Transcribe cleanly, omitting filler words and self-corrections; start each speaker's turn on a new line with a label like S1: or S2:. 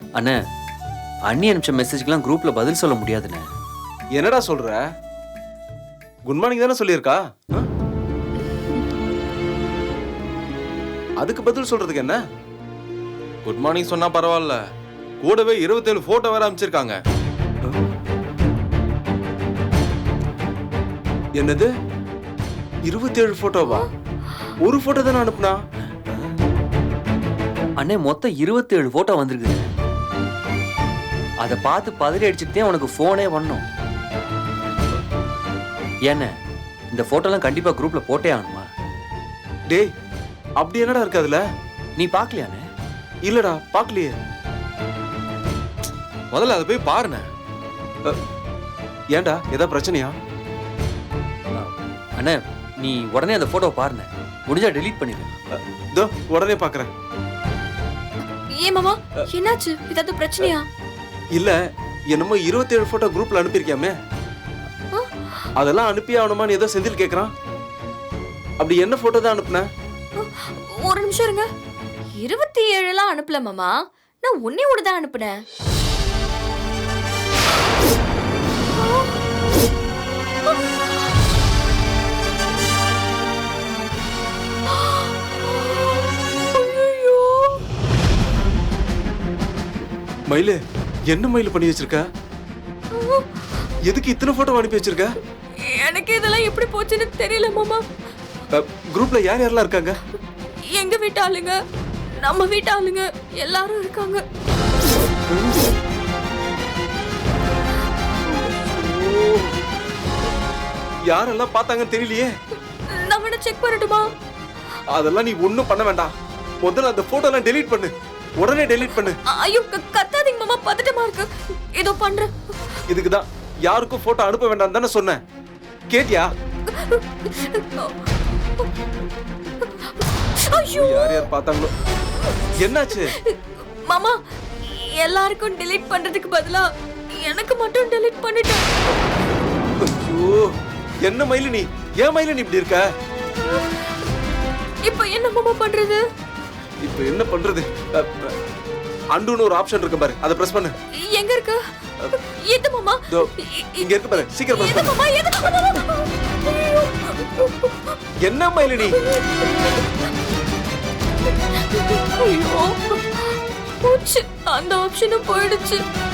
S1: அண்ணே, அண்ணி அனுப்பிச்ச மெசேஜ்க்கெல்லாம் குரூப்ல பதில் சொல்ல முடியாதுண்ணே.
S2: என்னடா சொல்ற? குட் மார்னிங் தானே சொல்லியிருக்கா? அதுக்கு பதில் சொல்றதுக்கு என்ன? குட் மார்னிங் சொன்னா பரவாயில்ல, கூடவே 27 போட்டோ வேற அனுப்பிச்சிருக்காங்க. என்னது 27 போட்டோவா? ஒரு போட்டோ தானே அனுப்புனா?
S1: அண்ணே, மொத்தம் 27 போட்டோ வந்திருக்கு. அதை பார்த்து பதறி அடிச்சுட்டே உனக்கு போனே பண்ணோம். ஏண்ணே, இந்த போட்டோலாம் கண்டிப்பா குரூப்ல போட்டே ஆகணுமா?
S2: டேய், அப்படி என்னடா இருக்கு அதுல?
S1: நீ பாக்கலையாண்ணே?
S2: இல்லடா, பாக்கலையே. முதல்ல அதை போய் பாருண்ணே. ஏன்டா, ஏதாவது பிரச்சனையா?
S1: அண்ணே, நீ உடனே அந்த போட்டோ பாருண்ணே. முடிஞ்சா டெலீட் பண்ணிடு.
S2: இதோ உடனே பாக்குறேன்.
S3: ஏன் மாமா, என்னாச்சு? ஏதாவது பிரச்சனையா?
S2: இல்ல, என்னமோ 27 போட்டோ குரூப்ல அனுப்பியிருக்கியாமே, அதெல்லாம் அனுப்பி ஆகணுமான்னு ஏதோ செந்தில் கேக்குறான். அப்படி என்ன போட்டோ தான் அனுப்புன?
S3: ஒரு நிமிஷம் இருங்க. 27 எல்லாம் அனுப்பல மாமா, நான் ஒன்னே ஒன்று தான் அனுப்புனேன்.
S2: மயிலு, என்ன மயிலு பண்ணி வச்சிருக்க? எதுக்கு இத்தனை போட்டோ அனுப்பி வச்சிருக்க?
S3: எனக்கு இதெல்லாம் எப்படி போச்சுன்னு தெரியல மாமா.
S2: குரூப்ல யார் யாரெல்லாம் இருக்காங்க?
S3: எங்க வீட்டு ஆளுங்க, நம்ம வீட்டு ஆளுங்க எல்லாரும் இருக்காங்க.
S2: யாரெல்லாம் பார்த்தாங்கன்னு தெரியலையே.
S3: நான் வேணா செக் பண்ணட்டுமா?
S2: அதெல்லாம் நீ ஒண்ணும் பண்ண வேண்டாம். முதல்ல அந்த போட்டோ எல்லாம் டெலீட் பண்ணு. உடனே டெலீட் பண்ணு.
S3: ஐயோ, கத்தாதீங்க மாமா, பதட்டமா இருக்கு. ஏதோ பண்றேன்.
S2: இதுக்குதான் யாருக்கும் போட்டோ அனுப்ப வேண்டாம் தானே சொன்னேன். கேட்டியா?
S3: ஐயோ,
S2: யார் யார் பார்த்தாங்களோ. என்னாச்சு
S3: மாமா? எல்லாருக்கும் டெலீட் பண்றதுக்கு பதிலா எனக்கு மட்டும் டெலீட் பண்ணிட்டேன்.
S2: ஐயோ, என்ன மயிலு நீ? ஏன் மயிலு நீ இப்படி இருக்க?
S3: இப்போ என்ன மாமா பண்றது?
S2: இப்போ என்ன பண்றது? அண்டுன்னு ஒரு ஆப்ஷன் இருக்கு பாரு, அதை பிரஸ் பண்ணு.
S3: எங்க இருக்கு? எது மாமா?
S2: இங்க இருக்கு பாரு, சீக்கிரம் பிரஸ் பண்ணு.
S3: மாமா, எது மாமா?
S2: என்ன மயிலு நீ?
S3: ஐயோ, போச்சு, அந்த ஆப்ஷனும் போயிடுச்சு.